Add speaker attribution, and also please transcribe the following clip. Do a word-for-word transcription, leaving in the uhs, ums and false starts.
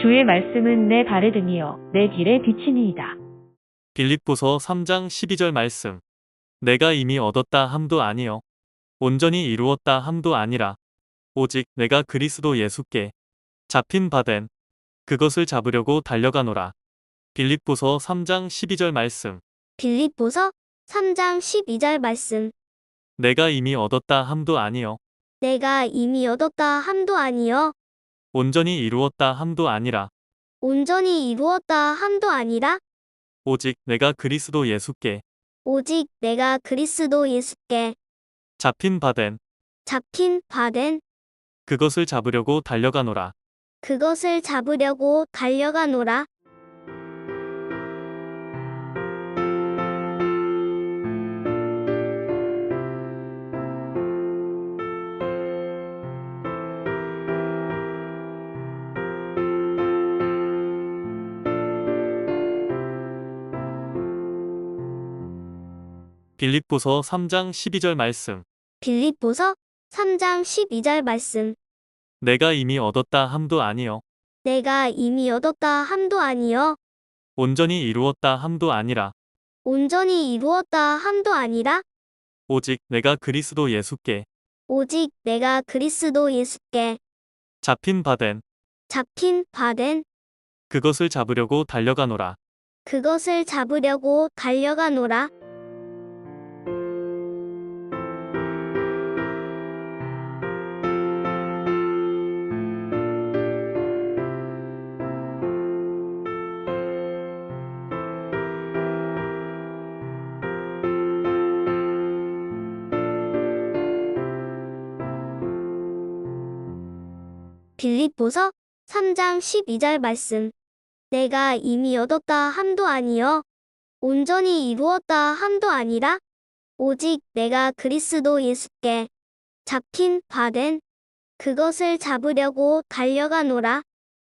Speaker 1: 주의 말씀은 내 발에 등이요 내 길에 비치니이다.
Speaker 2: 빌립보서 삼 장 십이 절 말씀. 내가 이미 얻었다 함도 아니요 온전히 이루었다 함도 아니라 오직 내가 그리스도 예수께 잡힌 바 된 그것을 잡으려고 달려가노라. 빌립보서 삼 장 십이 절 말씀.
Speaker 3: 빌립보서 삼 장 십이 절 말씀.
Speaker 2: 내가 이미 얻었다 함도 아니요
Speaker 3: 내가 이미 얻었다 함도 아니요
Speaker 2: 온전히 이루었다 함도 아니라
Speaker 3: 온전히 이루었다 함도 아니라
Speaker 2: 오직 내가 그리스도 예수께
Speaker 3: 오직 내가 그리스도 예수께
Speaker 2: 잡힌 바 된
Speaker 3: 잡힌 바 된
Speaker 2: 그것을 잡으려고 달려가노라.
Speaker 3: 그것을 잡으려고 달려가노라.
Speaker 2: 빌립보서 삼 장 십이 절 말씀.
Speaker 3: 빌립보서 삼 장 십이 절 말씀.
Speaker 2: 내가 이미 얻었다 함도 아니요
Speaker 3: 내가 이미 얻었다 함도 아니요
Speaker 2: 온전히 이루었다 함도 아니라
Speaker 3: 온전히 이루었다 함도 아니라
Speaker 2: 오직 내가 그리스도 예수께
Speaker 3: 오직 내가 그리스도 예수께
Speaker 2: 잡힌 바 된
Speaker 3: 잡힌 바 된
Speaker 2: 그것을 잡으려고 달려가노라.
Speaker 3: 그것을 잡으려고 달려가노라. 빌립보서 삼 장 십이 절 말씀. 내가 이미 얻었다 함도 아니요 온전히 이루었다 함도 아니라 오직 내가 그리스도 예수께 잡힌 바 된 그것을 잡으려고 달려가노라.